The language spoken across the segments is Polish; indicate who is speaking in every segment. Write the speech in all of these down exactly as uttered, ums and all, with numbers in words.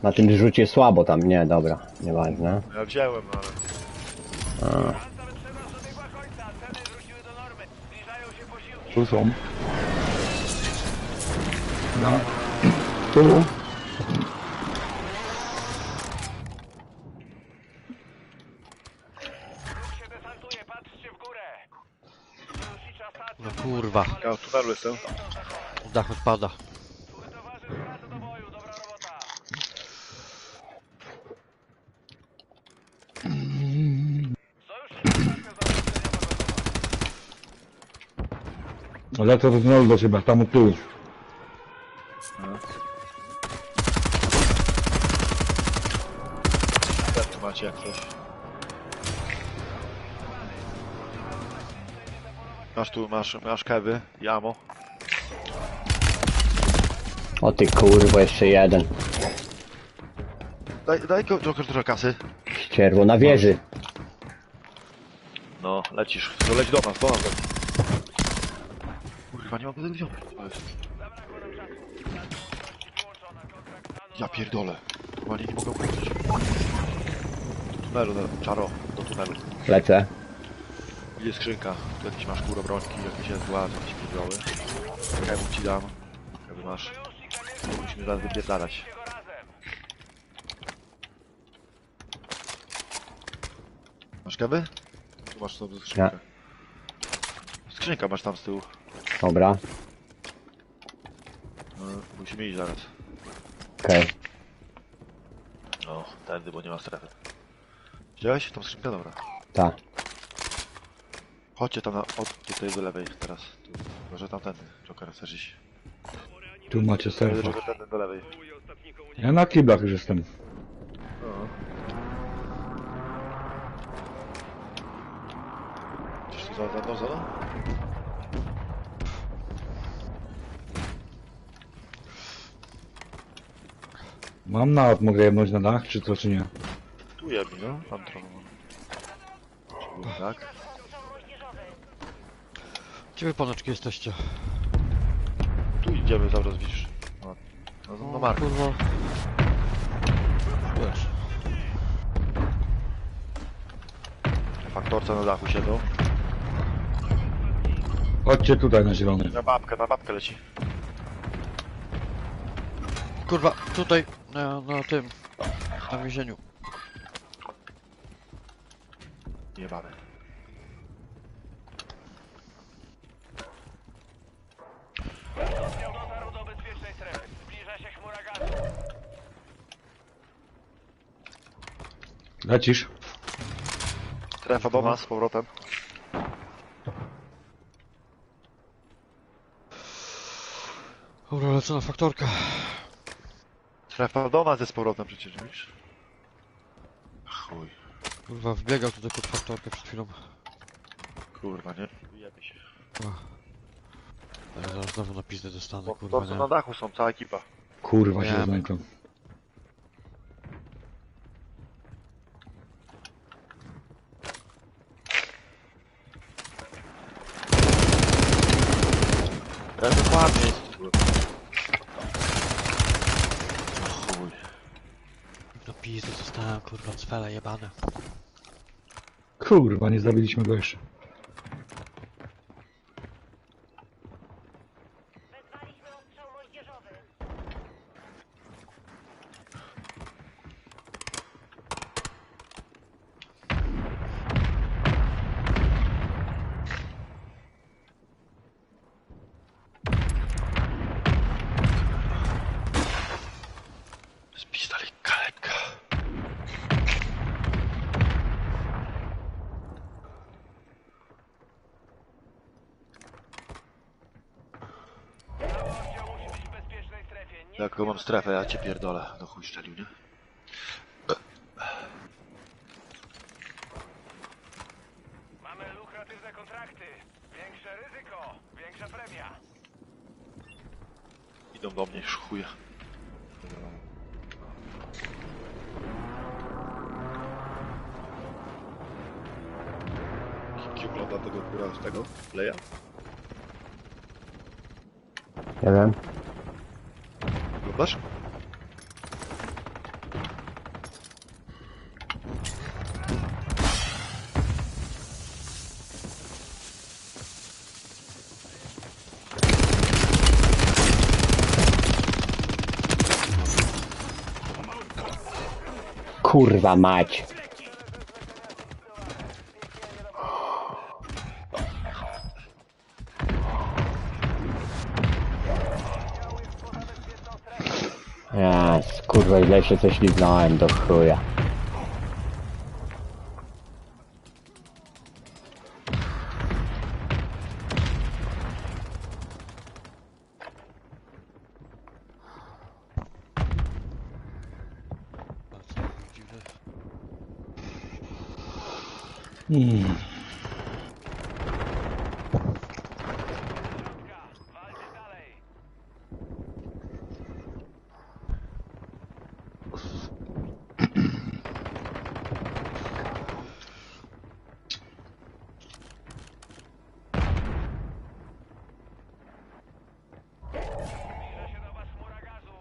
Speaker 1: Na tym rzucie słabo tam, nie, dobra, nieważne.
Speaker 2: Ja wziąłem, ale...
Speaker 1: A.
Speaker 3: Tu są. No. Tu.
Speaker 4: No kurwa.
Speaker 2: Ja w tunelu jestem.
Speaker 4: Dach odpada.
Speaker 3: Lecę do tunelu do ciebie, tam od tyłu.
Speaker 2: Jak tu macie jak coś? Masz tu, masz, masz kewy i ammo.
Speaker 1: O ty kurwa, jeszcze jeden.
Speaker 2: Daj, daj go- Joker trochę kasy.
Speaker 1: Ścierwo na wieży.
Speaker 2: No, lecisz. To leć do nas, do nas leć. Kurwa, nie mam tego wziąć. Ja pierdolę. Chyba nie, nie mogę ukończyć. Do tunelu, do, czaro, do tunelu.
Speaker 1: Lecę.
Speaker 2: Jest skrzynka. Tu jakieś masz kurobrońki, jakieś jest władz, jakieś pierdoły. Kewu ci dam. Kewy masz. Musimy zaraz wypierdalać. Masz kewy? Tu masz sobie skrzynkę. Skrzynka masz tam z tyłu.
Speaker 1: Dobra.
Speaker 2: No, musimy iść zaraz.
Speaker 1: Okej. Okay.
Speaker 2: No, tędy, bo nie ma strefy. Widziałeś? Tą skrzynkę? Dobra.
Speaker 1: Tak.
Speaker 2: Chodźcie tam na, od tutaj do lewej teraz. Tu. Może tamtędy. Joker, chcesz iść?
Speaker 3: Tu macie serwer.
Speaker 2: Joker, tędy do lewej.
Speaker 3: Ja na kiblach już jestem.
Speaker 2: No. Coś tu za, za mną, za mną?
Speaker 3: Mam nawet, mogę jebnąć na dach, czy co, czy nie?
Speaker 2: Tu jebni, no. Tam trochę mam. Czy było tak?
Speaker 4: Gdzie wy panoczki jesteście?
Speaker 2: Tu idziemy cały czas, widzisz. No, no, no Mark.
Speaker 4: Kurwa. Wiesz.
Speaker 2: Faktorce na dachu siedzą.
Speaker 3: Chodźcie tutaj na zielony.
Speaker 2: Na babkę, na babkę leci.
Speaker 4: Kurwa, tutaj, na, na tym, na więzieniu.
Speaker 2: Jebane.
Speaker 3: Lecisz?
Speaker 2: Strefa do nas z powrotem.
Speaker 4: Dobra, lecę na faktorkę.
Speaker 2: Strefa do nas jest z powrotem przecież, widzisz? Chuj.
Speaker 4: Kurwa, wbiegał tutaj pod faktorkę przed chwilą.
Speaker 2: Kurwa, nie? Jebie się.
Speaker 4: Ja zaraz znowu na pizdę dostanę,
Speaker 2: Bo
Speaker 4: kurwa,
Speaker 2: to co
Speaker 4: nie.
Speaker 2: na dachu są, cała ekipa.
Speaker 3: Kurwa się
Speaker 4: Wiem.
Speaker 3: znajdą.
Speaker 2: Ja dokładnie jest. Chuj.
Speaker 4: Na pizdę dostałem, kurwa, cwele jebane.
Speaker 3: Kurwa, nie zabiliśmy go jeszcze.
Speaker 5: Wezwaliśmy ostrzał moździerzowy.
Speaker 2: Z pistolet kaleka. Jaką mam strefę, ja cię pierdolę. Do chuj szczelił, nie?
Speaker 6: Mamy lukratywne kontrakty. Większe ryzyko, większa premia.
Speaker 2: Idą do mnie, już chuja. Kiki ogląda tego góra z tego? Leja?
Speaker 1: Nie wiem.
Speaker 2: Oglądasz?
Speaker 1: kurwa mać. Ja, kurwa, źle się coś liznąłem do chuja.
Speaker 3: Hmm.
Speaker 6: Walcie dalej. Zbliża się do was chmura gazu.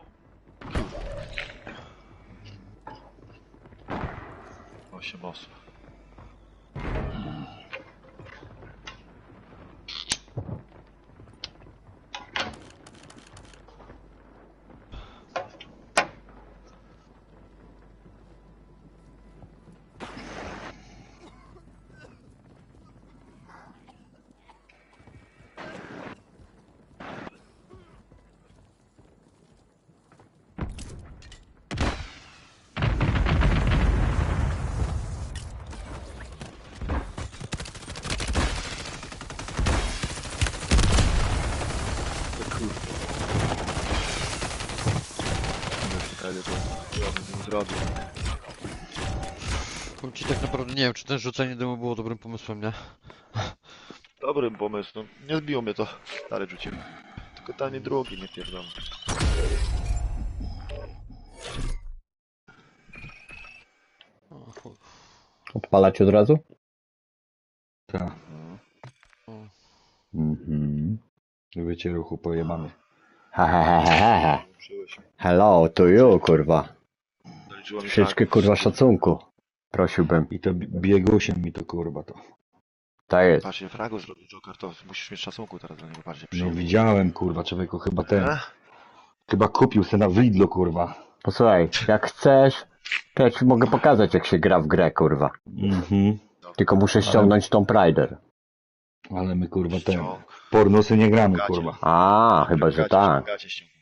Speaker 2: Osiem osób. Ale to ja bym z nim zrobił.
Speaker 4: Powiem ci, tak naprawdę nie wiem, czy ten rzucenie dymu było dobrym pomysłem, nie?
Speaker 2: Dobrym pomysłem. Nie zbiło mnie to. Dalej rzuciłem. Tylko tanie drogi nie pierdolę.
Speaker 4: O, chuj.
Speaker 1: Odpalać od razu?
Speaker 3: Tak.
Speaker 4: O.
Speaker 3: Mhm. Wiecie, ruchu pojebany.
Speaker 1: Ha ha ha ha ha ha.
Speaker 2: Przyjąłeś.
Speaker 1: Hello, to you, kurwa.
Speaker 2: Zaliczyło mi
Speaker 1: Troszeczkę,
Speaker 2: tak.
Speaker 1: kurwa, szacunku. Prosiłbym.
Speaker 3: I to bi- biegusiem mi to kurwa to.
Speaker 1: Tak jest.
Speaker 2: Patrzcie, fragu zrobił Joker, to musisz mieć szacunku teraz dla niego, patrzcie.
Speaker 3: No
Speaker 2: przyjął.
Speaker 3: widziałem kurwa, człowieku chyba ten.
Speaker 2: Eh?
Speaker 3: Chyba kupił se na Lidlo kurwa.
Speaker 1: Posłuchaj, jak chcesz, to ja ci mogę pokazać, jak się gra w grę, kurwa.
Speaker 3: Mhm.
Speaker 1: Tylko muszę ściągnąć Tomb Raider.
Speaker 3: Ale my kurwa ten.
Speaker 2: Ściąg.
Speaker 3: Pornosy nie gramy
Speaker 2: Gacie.
Speaker 3: kurwa.
Speaker 1: A, chyba, że
Speaker 2: Gacie,
Speaker 1: tak.
Speaker 2: gacie ściągnął.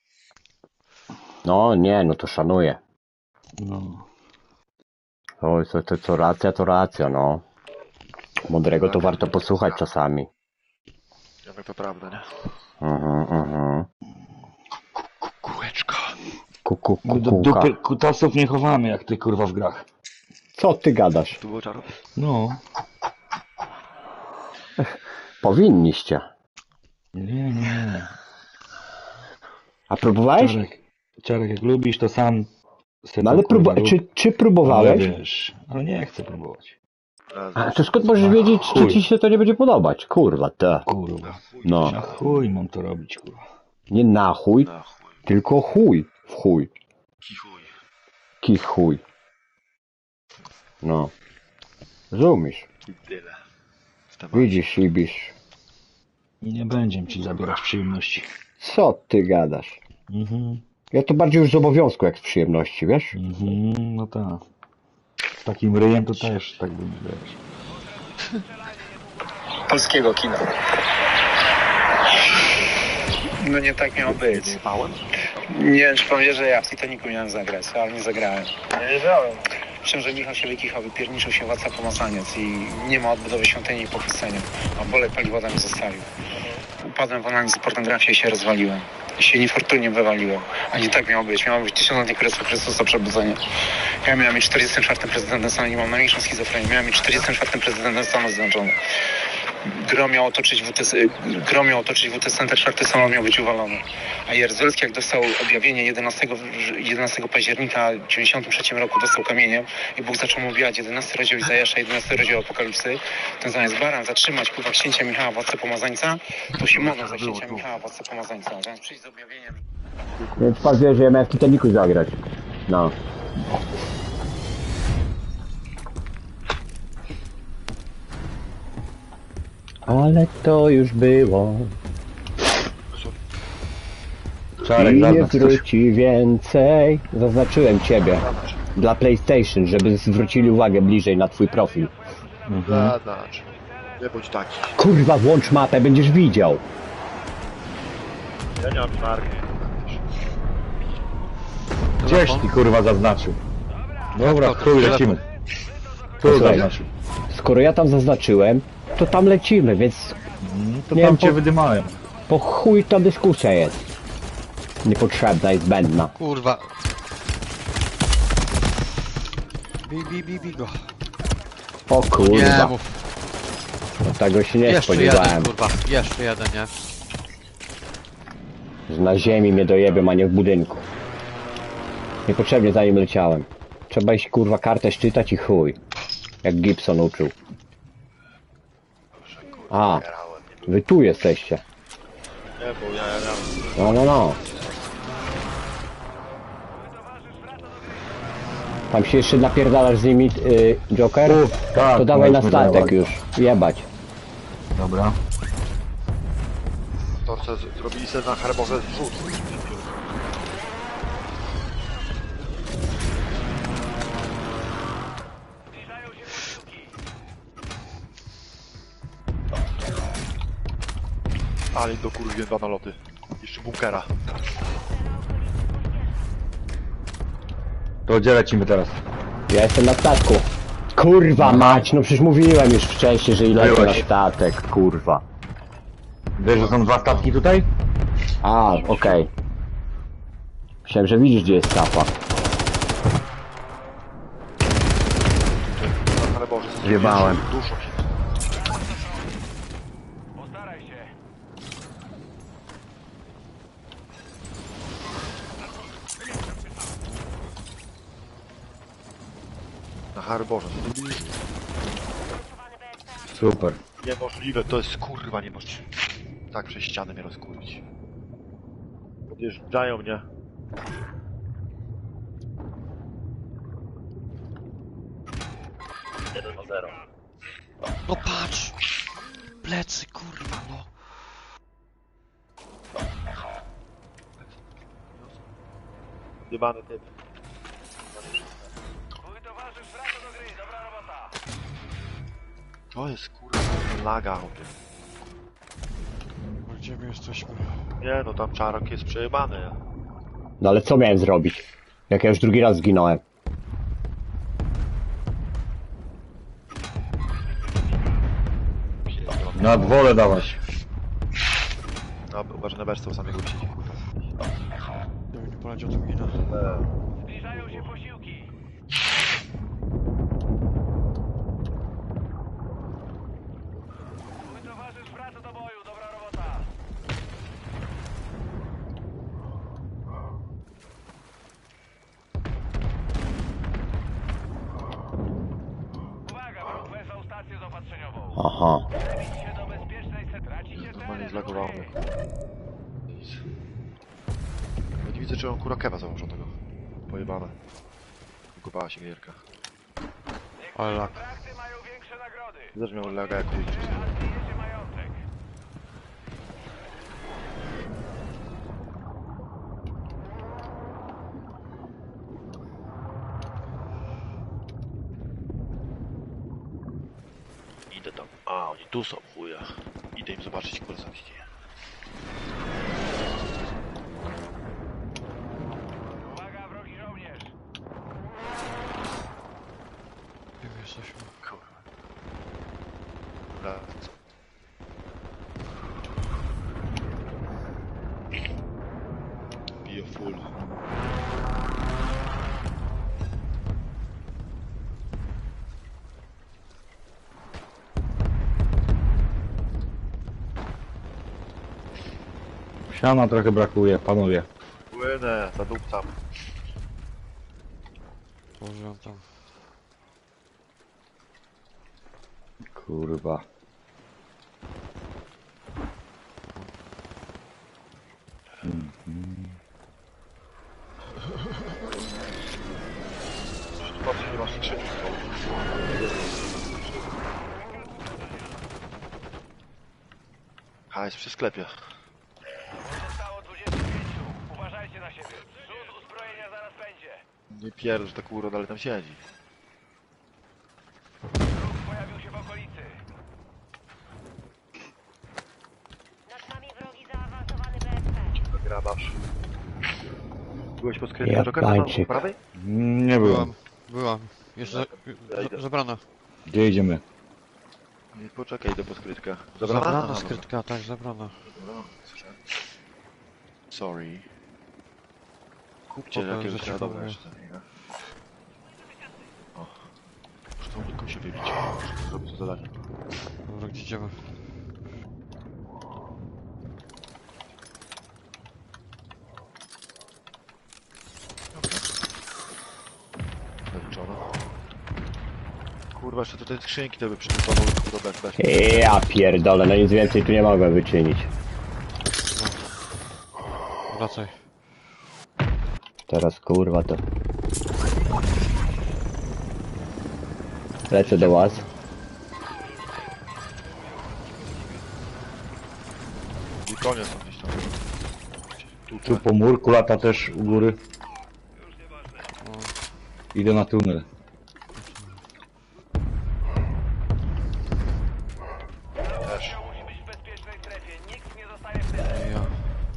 Speaker 1: No nie, no to szanuję.
Speaker 3: No.
Speaker 1: O, to, to co racja, to racja, no. Mądrego to warto posłuchać czasami.
Speaker 2: Jak to prawda, nie?
Speaker 1: Mhm, mhm.
Speaker 2: Kółeczko.
Speaker 1: Kuku,
Speaker 3: My do
Speaker 1: kukułka.
Speaker 3: dupy kutasów nie chowamy jak ty kurwa w grach.
Speaker 1: Co ty gadasz?
Speaker 2: Tu było czaro?
Speaker 3: No.
Speaker 1: Powinniście.
Speaker 3: Nie, nie.
Speaker 1: A próbowałeś?
Speaker 3: Czarek, Czarek, jak lubisz to sam. se
Speaker 1: No ale
Speaker 3: to, kurwa,
Speaker 1: próba-
Speaker 3: rób.
Speaker 1: czy, czy
Speaker 3: Ale
Speaker 1: próbowałeś?
Speaker 3: wiesz, ale nie chcę próbować.
Speaker 1: A to skąd możesz wiedzieć, czy
Speaker 3: Chuj.
Speaker 1: ci się to nie będzie podobać? Kurwa, te.
Speaker 3: Kurwa.
Speaker 1: No.
Speaker 3: Na chuj mam to robić kurwa.
Speaker 1: Nie na chuj,
Speaker 2: Na chuj.
Speaker 1: tylko chuj. W chuj.
Speaker 2: Kichuj.
Speaker 1: Kich chuj. No. Rozumiesz?
Speaker 2: I tyle. W temacie.
Speaker 1: Widzisz, Ibisz.
Speaker 3: I nie będzie ci zabierać przyjemności.
Speaker 1: Co ty gadasz?
Speaker 3: Mhm.
Speaker 1: Ja to bardziej już z obowiązku jak z przyjemności, wiesz?
Speaker 3: Mhm, no tak. Z takim ryjem to też tak bym wiesz.
Speaker 7: Polskiego kina. No nie tak miało być.
Speaker 2: Spałem?
Speaker 7: Nie wiem, czy pan wie, że ja w Titanicu miałem zagrać, ale nie zagrałem.
Speaker 6: Nie wiedziałem.
Speaker 7: Myślę, że Michał się wykichał, wypierniczył się władca pomazaniec i nie ma odbudowy świątyni i pochwycenia. A bolek paliwoda mnie zostawił. Upadłem w analizę pornografii i się rozwaliłem. I się niefortunnie wywaliłem. A nie tak miało być. Miało być tysiąclecie Chrystusa, Chrystusa przebudzenie. Ja miałem być czterdziestym czwartym prezydentem Stanów, nie mam najmniejszą schizofrenię. Miałem być czterdziestym czwartym prezydentem Stanów Zjednoczonych. Gro miał otoczyć W T C, gro miał otoczyć W T Center, czwarty samolot miał być uwalony. A Jaruzelski, jak dostał objawienie jedenastego, jedenastego października w dziewięćdziesiątym trzecim roku, dostał kamieniem i Bóg zaczął mu ubijać jedenasty rozdział Izajasza, jedenasty rozdział Apokalipsy. Ten zamiast baran zatrzymać kurwa księcia Michała, władcę pomazańca, to się modlą za księcia Michała, władcę pomazańca. Zamiast przyjść z objawieniem.
Speaker 1: Więc pan wie, że ja miałem w Titanicu zagrać. No. Ale to już było.
Speaker 3: Czarek,
Speaker 1: I nie
Speaker 3: zaznacz coś.
Speaker 1: wróci więcej. Zaznaczyłem ciebie. dla PlayStation, żeby zwrócili uwagę bliżej na twój profil.
Speaker 3: Mhm.
Speaker 2: Zadacz. Nie bądź taki.
Speaker 1: Kurwa, włącz mapę, będziesz widział.
Speaker 2: Ja nie mam marki.
Speaker 3: Gdzieś ty kurwa zaznaczył. Dobra,
Speaker 4: Jak to?
Speaker 3: chuj,
Speaker 4: Telefon.
Speaker 3: lecimy. Tu
Speaker 1: Posłuchaj.
Speaker 3: zaznaczył.
Speaker 1: Skoro ja tam zaznaczyłem, to tam lecimy, więc
Speaker 3: To
Speaker 1: Nie
Speaker 3: tam
Speaker 1: wiem,
Speaker 3: cię
Speaker 1: po-
Speaker 3: wydymałem.
Speaker 1: po chuj ta dyskusja jest. Niepotrzebna i zbędna.
Speaker 4: Kurwa. Bij, bij, bij, bij go.
Speaker 1: O
Speaker 4: Nie
Speaker 1: kurwa,
Speaker 4: mów.
Speaker 1: tego się nie
Speaker 4: Jeszcze
Speaker 1: spodziewałem.
Speaker 4: jeden, kurwa. Jeszcze jeden, nie?
Speaker 1: Że na ziemi mnie dojebią, a nie w budynku. Niepotrzebnie za nim leciałem. Trzeba iść kurwa kartę szczytać i chuj. Jak Gibson uczył. A, wy tu jesteście.
Speaker 2: Nie, bo ja, ja, ja.
Speaker 1: No, no, no. Tam się jeszcze napierdalasz z nimi, y, Joker?
Speaker 3: Uf, tak,
Speaker 1: To dawaj na
Speaker 3: możemy
Speaker 1: statek
Speaker 3: dawać.
Speaker 1: już. Jebać.
Speaker 3: Dobra.
Speaker 2: Torce z- zrobili sobie na herbowe zrzut. Ale do kurwie dwa naloty. Jeszcze bunkera.
Speaker 3: To gdzie lecimy teraz?
Speaker 1: Ja jestem na statku. Kurwa mać, no przecież mówiłem już wcześniej, że ile na
Speaker 3: Byłeś.
Speaker 1: statek, kurwa.
Speaker 3: Wiesz, że są dwa statki tutaj?
Speaker 1: A, okej. Myślałem, że widzisz, gdzie jest sapa.
Speaker 2: Ale Boże,
Speaker 1: Zjebałem.
Speaker 2: Duszą się.
Speaker 6: Postaraj się.
Speaker 2: Na harborze, co zrobili?
Speaker 3: Super.
Speaker 2: Niemożliwe, to jest kurwa niemożliwe. Tak przez ścianę mnie rozkurwić. Podjeżdżają mnie. jeden do zera.
Speaker 4: No patrz! Plecy, kurwa, no.
Speaker 2: Jebany typ.
Speaker 6: Twój towarzysz wraca do gry. Dobra robota.
Speaker 2: To jest kurwa laga.
Speaker 4: Gdzie my jesteśmy?
Speaker 2: Nie no, tam czarok jest przejebany.
Speaker 1: No ale co miałem zrobić? Jak ja już drugi raz zginąłem.
Speaker 3: Na dwole dawać.
Speaker 2: No, uważaj na berstwo samego siedzi, kurwa.
Speaker 4: Gdyby nie poleciał tu mina.
Speaker 6: Zbliżają się posiłki. Twój towarzysz wraca do boju. Dobra robota. Uwaga, wróg wezwał stację zaopatrzeniową.
Speaker 1: Aha.
Speaker 6: Przebić się do bezpiecznej centrali. Tracicie
Speaker 2: Normalnie
Speaker 6: teren
Speaker 2: zlagowało mnie. Nic. Ja nie widzę, czy on kurakewa założonego. Pojebane. Wykupała się gierka.
Speaker 4: Ale lak.
Speaker 6: kontrakty mają większe nagrody.
Speaker 2: Też miał laga jak chuj.
Speaker 6: Załatwijecie majątek.
Speaker 2: Idę tam. A, oni tu są, chuja. Idę im zobaczyć, kurwa, co się dzieje.
Speaker 6: Uwaga, wrogi żołnierz.
Speaker 4: Gdzie my jesteśmy?
Speaker 2: Kurwa. Dobra. Bio full.
Speaker 3: Siana trochę brakuje, panowie.
Speaker 2: Płynę, zadupcam.
Speaker 4: Położyłem tam.
Speaker 3: Kurwa.
Speaker 2: Patrzę, nie masz skrzyni. A, jest przy sklepie.
Speaker 6: Zostało dwudziestu pięciu. Uważajcie na siebie. Zrzut uzbrojenia zaraz będzie.
Speaker 2: Nie pierdol, że ta kurwa dalej tam siedzi.
Speaker 6: Wróg pojawił się w okolicy.
Speaker 5: Nad nami wrogi zaawansowany B S P.
Speaker 2: To grabasz. Byłeś pod sklepem
Speaker 1: Ja
Speaker 2: Jokera na
Speaker 1: pańczyk.
Speaker 2: prawej?
Speaker 3: Nie byłem.
Speaker 4: Byłam, byłam. Jest za, za, zabrana.
Speaker 3: Gdzie idziemy?
Speaker 2: Nie, poczekaj, idę po skrytkę.
Speaker 4: Zabrana
Speaker 2: Aha,
Speaker 4: skrytka, tak, zabrana.
Speaker 2: dobra. Sorry. Kupcie
Speaker 4: Spoko,
Speaker 2: jakiegoś
Speaker 4: że ci
Speaker 2: radowe
Speaker 4: powiem.
Speaker 2: jeszcze. nie? O. Muszę tą nitką się wybić. Muszę zrobić to zadanie.
Speaker 4: Dobra, gdzie idziemy?
Speaker 2: Zaliczone. Kurwa, jeszcze tutaj skrzynki to by przygotował do B S P.
Speaker 1: Ja pierdolę, no nic więcej tu nie mogłem wyczynić.
Speaker 4: Wracaj.
Speaker 1: Teraz kurwa to... Lecę do was.
Speaker 2: I koniec są gdzieś tam. Tu,
Speaker 3: Tu po murku lata też u góry. Idę na tunel.
Speaker 2: też.
Speaker 6: Musi być w bezpiecznej strefie. Nikt nie zostaje w tyle.
Speaker 4: Ja.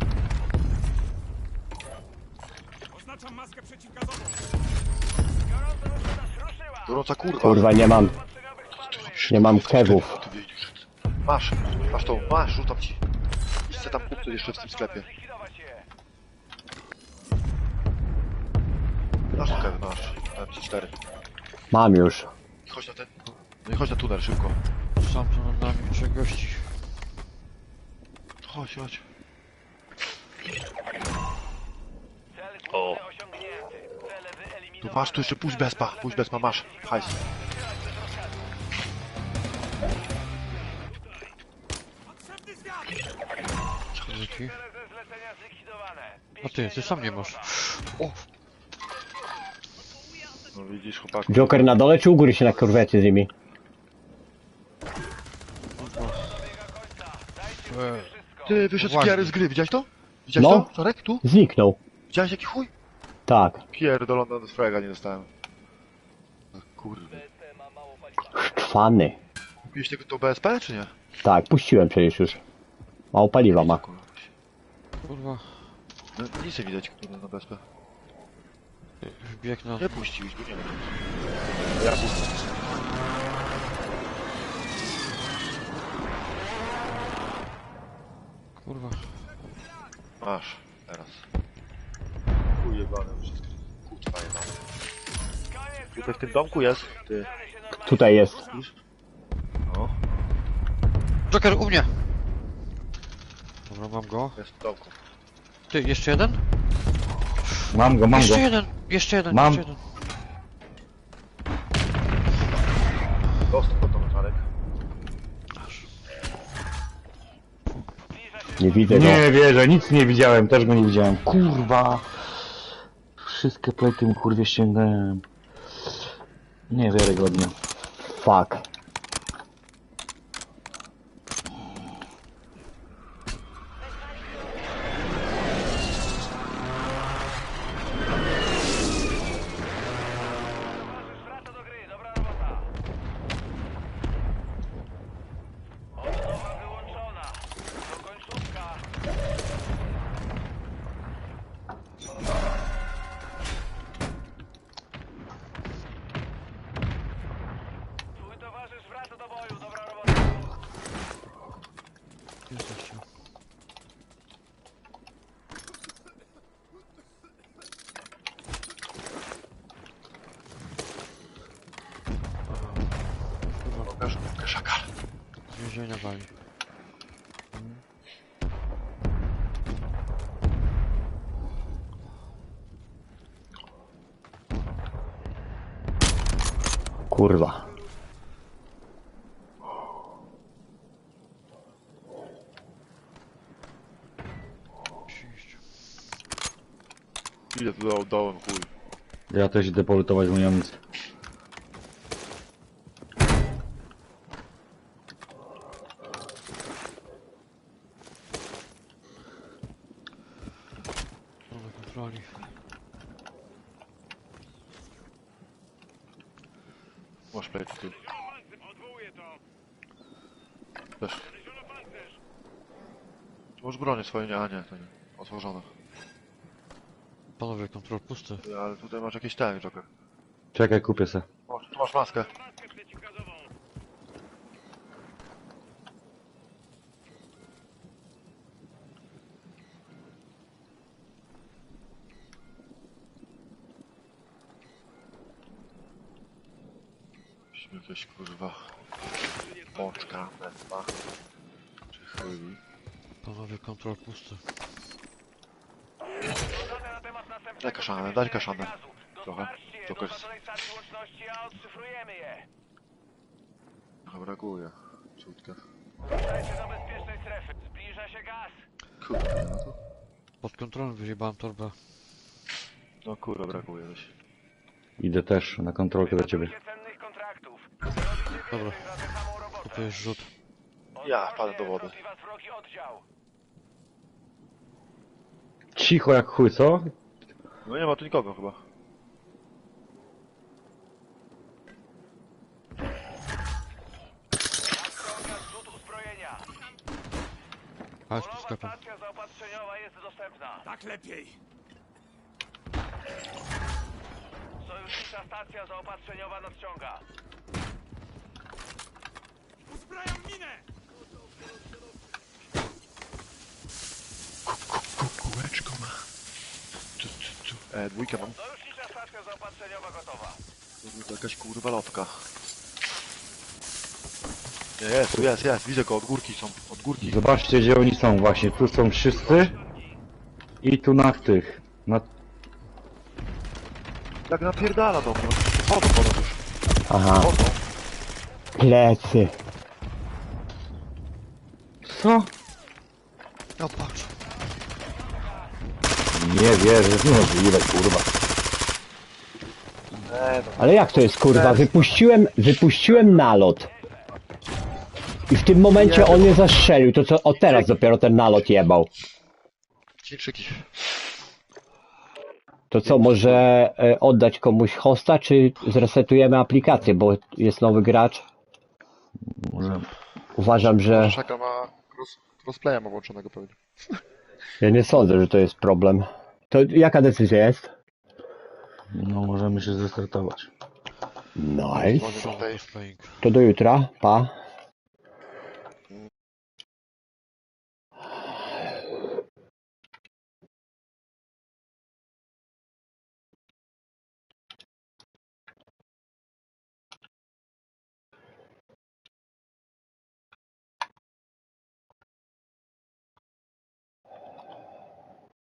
Speaker 6: Oznaczam maskę przeciwgazową. Gorąca nas ruszyła.
Speaker 2: Gorąca kurwa.
Speaker 1: Kurwa, nie mam,
Speaker 6: Postrzegowych spadłych.
Speaker 1: nie mam kewów.
Speaker 2: Ty wiedziesz. Masz, masz tą, masz, rzucam ci. Chcę tam kupić jeszcze w tym sklepie.
Speaker 6: Zlikwidować je.
Speaker 2: Masz tą kewę, masz. M C cztery.
Speaker 1: Mam już.
Speaker 2: I chodź na ten. No i chodź na tunel szybko.
Speaker 4: Sam tu nad nami trzech gości.
Speaker 2: Chodź, chodź.
Speaker 6: Cel
Speaker 2: O.
Speaker 6: główny osiągnięty. Cele
Speaker 2: Tu
Speaker 6: wyeliminowane.
Speaker 2: masz, tu jeszcze pójdź bezpa, pójdź bezpa, masz. Hajs.
Speaker 4: Dzięki.
Speaker 6: Cele ze zlecenia zlikwidowane.
Speaker 4: A ty, ty sam nie masz. O!
Speaker 2: No widzisz, chłopaku.
Speaker 1: Joker na dole czy u góry się na korwecie z nimi?
Speaker 4: E,
Speaker 2: Ty, wyszedł
Speaker 4: Właśnie.
Speaker 2: Pierre z gry, widziałeś to? Widziałeś
Speaker 1: No.
Speaker 2: to? Czarek, tu?
Speaker 1: Zniknął.
Speaker 2: Widziałeś jaki chuj?
Speaker 1: Tak.
Speaker 2: Pierdolona do frega nie dostałem. No, kurwa.
Speaker 1: Szczwany.
Speaker 2: Kupiłeś tego to B S P, czy nie?
Speaker 1: Tak, puściłem przecież już. Mało paliwa ma.
Speaker 2: Kurwa.
Speaker 4: kurwa.
Speaker 2: No nic nie widać kurwa na B S P.
Speaker 4: Wbieg na...
Speaker 2: Nie puściłeś, bo nie wiem. Ja puszczę.
Speaker 4: Kurwa.
Speaker 2: Masz, teraz. Chuj jebany wszystko. Kurwa jebany. Tutaj w tym domku jest, ty.
Speaker 1: Tutaj jest.
Speaker 2: No,
Speaker 4: Joker, u mnie! Dobra, mam go.
Speaker 2: jest w domku.
Speaker 4: Ty, jeszcze jeden?
Speaker 3: Mam go, mam go.
Speaker 4: Jeszcze jeden! Jeszcze jeden,
Speaker 3: Mam.
Speaker 4: jeszcze jeden.
Speaker 2: Dostał pod tą Czarek.
Speaker 1: Nie widzę go.
Speaker 3: Nie wierzę, nic nie widziałem, też go nie widziałem. Kurwa. Wszystkie plejty mu kurwie ściągnąłem. Niewiarygodnie.
Speaker 1: Fuck.
Speaker 6: Wraca do gry. Dobra robota. Odnowa wyłączona. To końcówka. Twój towarzysz wraca do boju. Dobra robota.
Speaker 4: Jesteście.
Speaker 2: Pokaż, pokaż szakal.
Speaker 4: Z więzienia wali.
Speaker 1: Kurwa.
Speaker 4: Przyjść.
Speaker 2: Idę tu do, dołem, chuj.
Speaker 3: Ja też idę polutować moją amunicję.
Speaker 4: Mamy kontroli.
Speaker 2: Masz plejty tu.
Speaker 6: Odwołuję to.
Speaker 2: Też. Ty masz bronię swoje, nie, a nie, to nie. Otworzone.
Speaker 4: Panowie, kontrol pusty.
Speaker 2: Ty, ale tutaj masz jakieś ten, Joker.
Speaker 3: Czekaj, kupię se.
Speaker 2: O, tu masz maskę.
Speaker 6: Maskę przeciwgazową.
Speaker 2: Musimy jakieś kurwa... Pączka, wędma. Czy chyli.
Speaker 4: Panowie, kontrol pusty.
Speaker 6: Dane na temat następnego
Speaker 2: Daj kaszanę, daj kaszanę.
Speaker 6: gazu.
Speaker 2: Trochę.
Speaker 6: Dostarczcie je do
Speaker 2: Joker.
Speaker 6: oznaczonej stacji łączności, a odszyfrujemy je.
Speaker 2: Trochę brakuje. Ciutkę.
Speaker 6: Wracajcie do bezpiecznej strefy. Zbliża się gaz.
Speaker 2: Kurde, no to...
Speaker 4: Pod kontrolą wyjebałem torbę.
Speaker 2: No kurwa, brakuje coś.
Speaker 3: Idę też na kontrolkę do ciebie.
Speaker 6: Wydobycie cennych kontraktów. Robicie
Speaker 4: Dobra.
Speaker 6: więcej za tę samą robotę.
Speaker 4: Kupujesz rzut.
Speaker 2: Ja wpadę do wody.
Speaker 6: Wrogi was wrogi oddział.
Speaker 3: Cicho jak chuj, co?
Speaker 2: No nie ma tu nikogo chyba.
Speaker 6: Nadciąga zrzut uzbrojenia.
Speaker 4: Chodź tu
Speaker 6: Nowa
Speaker 4: sklepem.
Speaker 6: stacja zaopatrzeniowa jest dostępna. Tak lepiej. Sojusznicza stacja zaopatrzeniowa nadciąga. Uzbrajam minę!
Speaker 2: Kółeczko ma. Tu, tu, tu. E, dwójkę mam.
Speaker 6: Sojusznicza stacja zaopatrzeniowa gotowa.
Speaker 2: To jakaś kurwa lotka. Nie, jest, tu jest, jest. Widzę go, od górki są. Od górki.
Speaker 3: Zobaczcie, gdzie oni są właśnie. Tu są wszyscy. I tu na tych. Na...
Speaker 2: Jak napierdala do mnie. Chodzą po nas już.
Speaker 1: Aha,
Speaker 2: Chodzą.
Speaker 1: plecy.
Speaker 3: Co?
Speaker 4: No patrz.
Speaker 3: Nie wierzę, no ile kurwa.
Speaker 2: E, no.
Speaker 1: Ale jak to jest kurwa? Wypuściłem, wypuściłem nalot. I w tym momencie on mnie zastrzelił. To co, o teraz dopiero ten nalot jebał.
Speaker 2: Chińczyki.
Speaker 1: To co, może e, oddać komuś hosta, czy zresetujemy aplikację, bo jest nowy gracz?
Speaker 3: Może...
Speaker 1: Uważam, że...
Speaker 2: Szaka ma cross, crossplaya ma włączonego pewnie.
Speaker 1: Ja nie sądzę, że to jest problem. To jaka decyzja jest?
Speaker 3: No możemy się zrestartować.
Speaker 1: Nice.
Speaker 2: Dzwonię do tej.
Speaker 4: Playing.
Speaker 1: To do jutra, pa.